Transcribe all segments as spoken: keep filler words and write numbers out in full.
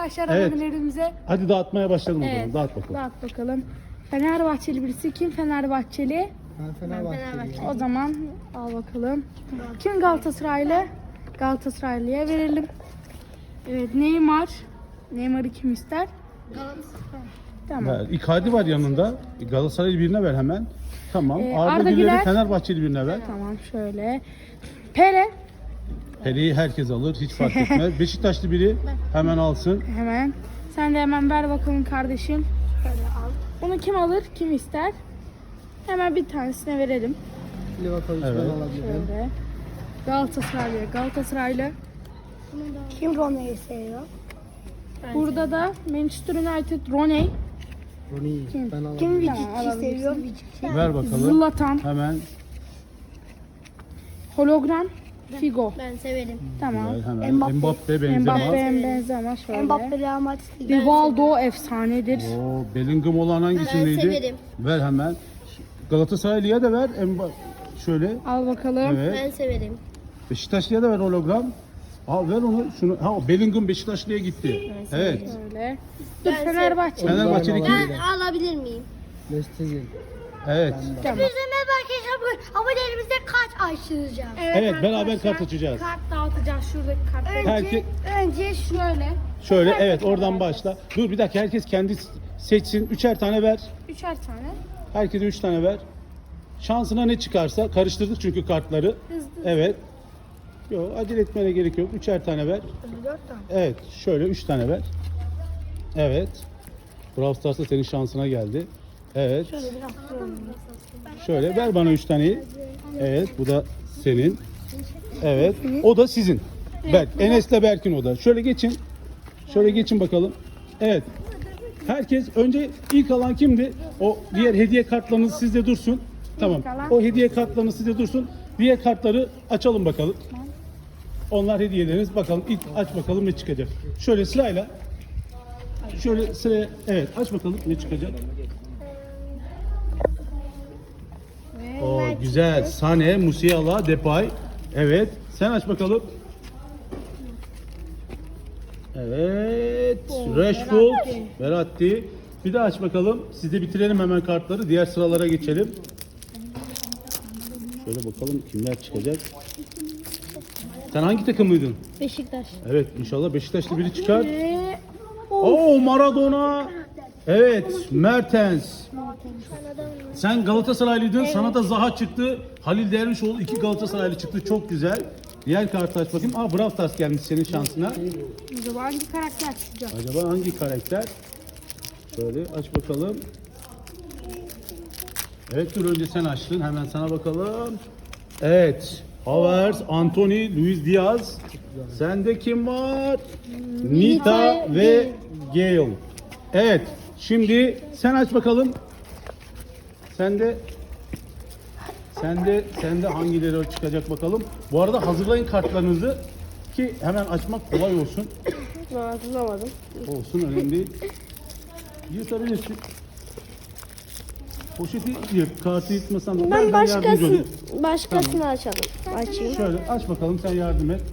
arkadaşlar Evet. abonelerimize. Hadi dağıtmaya başlayalım o zaman. Evet. Dağıt bakalım. Dağıt bakalım. Fenerbahçeli birisi kim Fenerbahçeli? Ben Fenerbahçeliyim. O zaman al bakalım. Kim Galatasaraylı? Galatasaraylı'ya verelim. Evet Neymar. Neymar'ı kim ister? Tamam. Ver. Icardi var yanında. Galatasaraylı birine ver hemen. Tamam. Ee, Arda, Arda Güler'i Güler. Fenerbahçeli birine ver. Tamam şöyle. Pele. Pele'yi herkes alır. Hiç fark etmez. Beşiktaşlı biri hemen alsın. Hemen. Sen de hemen ver bakalım kardeşim. Şöyle al. Bunu kim alır? Kim ister? Hemen bir tanesine verelim. Livakovic Evet. ben alabilirim. Şöyle. Galatasaraylı. Galatasaraylı. Kim Ronaldo'yu seviyor? Burada da Manchester United Roney. Rooney Kim? ben Kim alabilirim. Vicic'i alabilirsin. seviyor? Vici. Ver bakalım. Zlatan. Hemen. Hologram. Figo. Ben severim. Tamam. Ver, hemen. Mbappe. Mbappe, Benzema. Mbappe, Benzema şöyle. Mbappe Real Madrid. Rivaldo efsanedir. Oo, Bellingham olan hangisindeydi? Ben severim. Ver hemen. Galatasaraylı'ya da ver. Mba- Şöyle. Al bakalım. Evet. Ben severim. Beşiktaşlı'ya da ver hologram. Al ver onu. Şunu. Ha Bellingham Beşiktaşlı'ya gitti. Evet. Şöyle. Dur Ben Fenerbahçe. Fenerbahçeli kim? Ben alabilir miyim? Mesut Özil. Evet. Tamam. Bizim merhaba arkadaşlar bugün abonelerimize kart açtıracağım. Evet, beraber arkadaşlar, kart açacağız. Kart dağıtacağız şuradaki kartları. Önce, Herkes- önce şu Şöyle. Şöyle evet oradan başla. Dur bir dakika herkes kendi seçsin. Üçer tane ver. Üçer tane. Herkese üç tane ver. Şansına ne çıkarsa karıştırdık çünkü kartları. Hızlı. Evet. Yok acele etmene gerek yok. Üçer tane ver. dört tane. Evet şöyle üç tane ver. Evet. Brawl Stars'ta senin şansına geldi. Evet. Şöyle biraz koyalım. Şöyle ver bana üç taneyi. Evet bu da senin. Evet. O da sizin. Berk. Enes'le Berk'in o da. Şöyle geçin. Şöyle geçin bakalım. Evet. Herkes önce ilk alan kimdi? O diğer hediye kartlarınız sizde dursun. Tamam. alan. O hediye kartlarınız sizde dursun. Diğer kartları açalım bakalım. Onlar hediyeleriniz. Bakalım ilk aç bakalım ne çıkacak. Şöyle sırayla. Şöyle sıraya. Evet aç bakalım ne çıkacak. O güzel. Sane, Musiala, Depay. Evet. Sen aç bakalım. Evet. Rashford, Verratti. Bir daha aç bakalım. Siz de bitirelim hemen kartları. Diğer sıralara geçelim. Şöyle bakalım kimler çıkacak. Sen hangi takımlıydın? Beşiktaş. Evet inşallah Beşiktaşlı biri çıkar. Ve Oo Maradona. Evet Mertens. Sen Galatasaraylıydın. Sana da Zaha çıktı. Halil Dervişoğlu iki Galatasaraylı çıktı. Çok güzel. Diğer kartı aç bakayım. Aa Brawl Stars gelmiş senin şansına. acaba hangi karakter çıkacak? Acaba hangi karakter? Şöyle aç bakalım. Evet dur önce sen açtın. Hemen sana bakalım. Evet. Havertz, Anthony, Luis Diaz. Sende kim var? Nita ve Gale. Evet. Şimdi sen aç bakalım. Sende Sende sende hangileri çıkacak bakalım. Bu arada hazırlayın kartlarınızı ki hemen açmak kolay olsun. Hatırlamadım. Olsun önemli değil. Yırtabilirsin. Poşeti yırt, kartı yırtmasan da ben, ben yardımcı olayım. başkasını açalım. Açayım. Şöyle aç bakalım sen yardım et.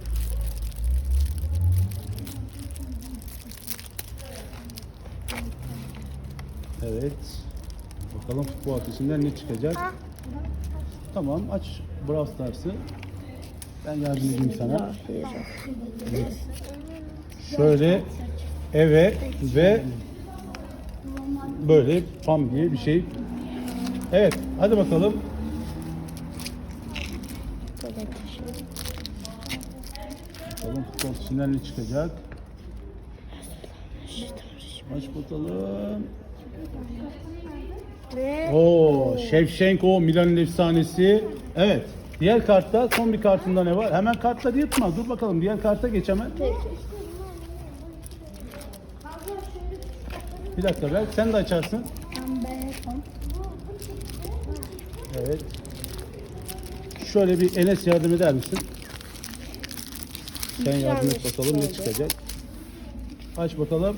Evet. Bakalım futbol ateşinden ne çıkacak. Tamam aç Brawl Stars'ı. Ben yardım edeyim sana. Evet. Şöyle eve ve böyle pam diye bir şey. Evet hadi bakalım. Bakalım futbol ateşinden ne çıkacak. Aç bakalım. Ve Oo, Shevchenko Milan'ın efsanesi. Evet. Diğer kartta son bir kartında ne var? Hemen kartları yırtma. Dur bakalım diğer karta geç hemen. Bir dakika ver. Sen de açarsın. Evet. Şöyle bir Enes yardım eder misin? Sen yardım et bakalım ne çıkacak. Aç bakalım.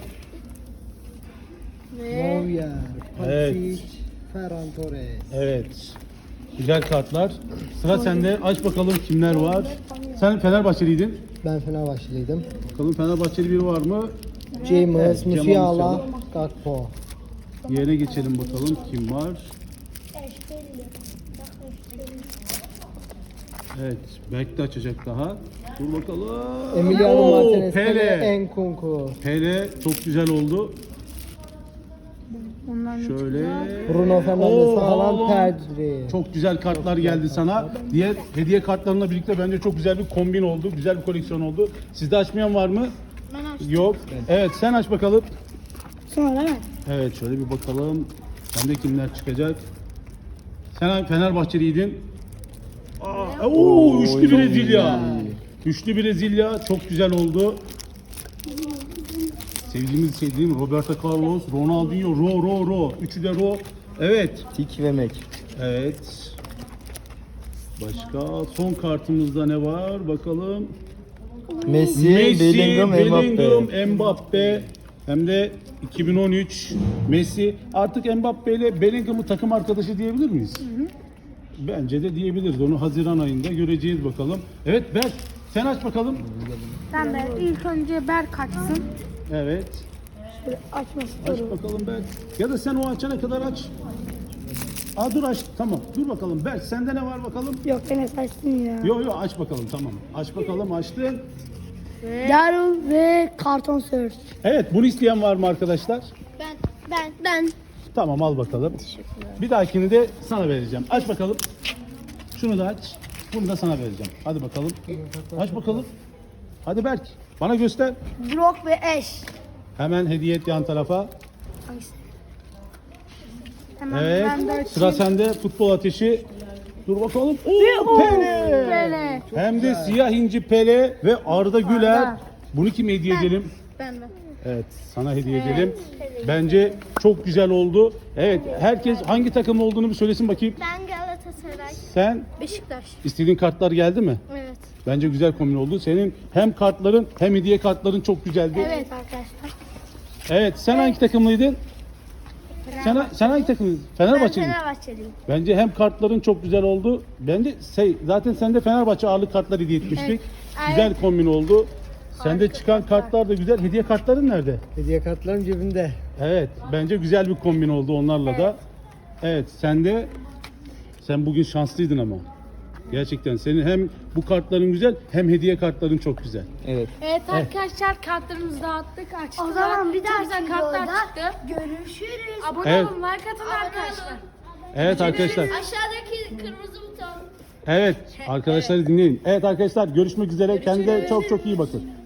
Neuer, Evet. Patrick, Ferran Torres. Evet. Güzel kartlar. Sıra sende. Aç bakalım kimler var. Sen Fenerbahçeliydin. Ben Fenerbahçeliydim. Bakalım Fenerbahçeli biri var mı? James, Evet, Musiala, James Gakpo. Yerine geçelim bakalım kim var. Evet, Berk de açacak daha. Dur bakalım. Emiliano Oo, Martinez, Pele, Pele. Nkunku. Pele çok güzel oldu. Bundan ne Şöyle. Bruno Fernandes, Oo, Haaland, Haaland. Pedri. Çok güzel kartlar geldi sana. Diğer hediye kartlarına birlikte bence çok güzel bir kombin oldu. Güzel bir koleksiyon oldu. Sizde açmayan var mı? Ben açtım. Yok. Evet, sen aç bakalım. Sonra ben. Evet, şöyle bir bakalım. Sende kimler çıkacak? Sen Fenerbahçeliydin. Aa, oo, üçlü Brezilya. Üçlü Brezilya çok güzel oldu. Sevdiğimiz şey değil mi? Roberto Carlos, Ronaldinho, Ro, Ro, Ro. Üçü de Ro. Evet. Tik ve Mek. Evet. Başka son kartımızda ne var? Bakalım. Messi, Messi, Bellingham, Mbappe. Bellingham, Mbappe. Hem de iki bin on üç Messi. Artık Mbappe ile Bellingham'ı takım arkadaşı diyebilir miyiz? Bence de diyebiliriz. Onu Haziran ayında göreceğiz bakalım. Evet Berk, sen aç bakalım. Ben de ilk önce Berk açsın. Evet. Şöyle açması Aç doğru. bakalım Berk. Ya da sen o açana kadar aç. Aa dur aç. Tamam. Dur bakalım. Berk sende ne var bakalım? Yok Enes açsın ya. Yo yo aç bakalım tamam. Aç bakalım açtın. Daryl ve Karton Search. Evet bunu isteyen var mı arkadaşlar? Ben, ben, ben. Tamam al bakalım. Bir dahakini de sana vereceğim. Aç bakalım. Şunu da aç. Bunu da sana vereceğim. Hadi bakalım. Aç bakalım. Hadi Berk. Bana göster. Brock ve Ash. Hemen hediye et yan tarafa. Hemen Evet. ben de açayım. Sıra sende. Futbol ateşi. Dur bakalım. Oo, Pele. Pele. Hem de siyah inci Pele ve Arda Güler. Arda. Bunu kime hediye edelim? Ben de. Evet, sana hediye edelim. Bence çok güzel oldu. Evet, herkes hangi takım olduğunu bir söylesin bakayım. Ben Galatasaray. Sen Beşiktaş. istediğin kartlar geldi mi? Evet. Bence güzel kombin oldu. Senin hem kartların hem hediye kartların çok güzeldi. Evet arkadaşlar. Evet, sen hangi takımlıydın? Sen, sen hangi takımlıydın? Fenerbahçe mi? Fenerbahçeliyim. Bence hem kartların çok güzel oldu. Bence şey, zaten sende Fenerbahçe ağırlık kartlar hediye etmiştik. Güzel kombin oldu. Sende çıkan kartlar da güzel. Hediye kartların nerede? Hediye kartlarım cebimde. Evet, bence güzel bir kombin oldu onlarla da. Evet, sen de sen bugün şanslıydın ama. Gerçekten senin hem bu kartların güzel hem hediye kartların çok güzel. Evet. Evet arkadaşlar kartlarımızı dağıttık açtık. O zaman bir Çok dahaki güzel kartlar videoda çıktı. görüşürüz. Abone Evet. olun, like atın arkadaşlar. Evet arkadaşlar. Aşağıdaki kırmızı buton. Evet arkadaşları dinleyin. Evet arkadaşlar görüşmek üzere. Kendinize çok çok iyi bakın.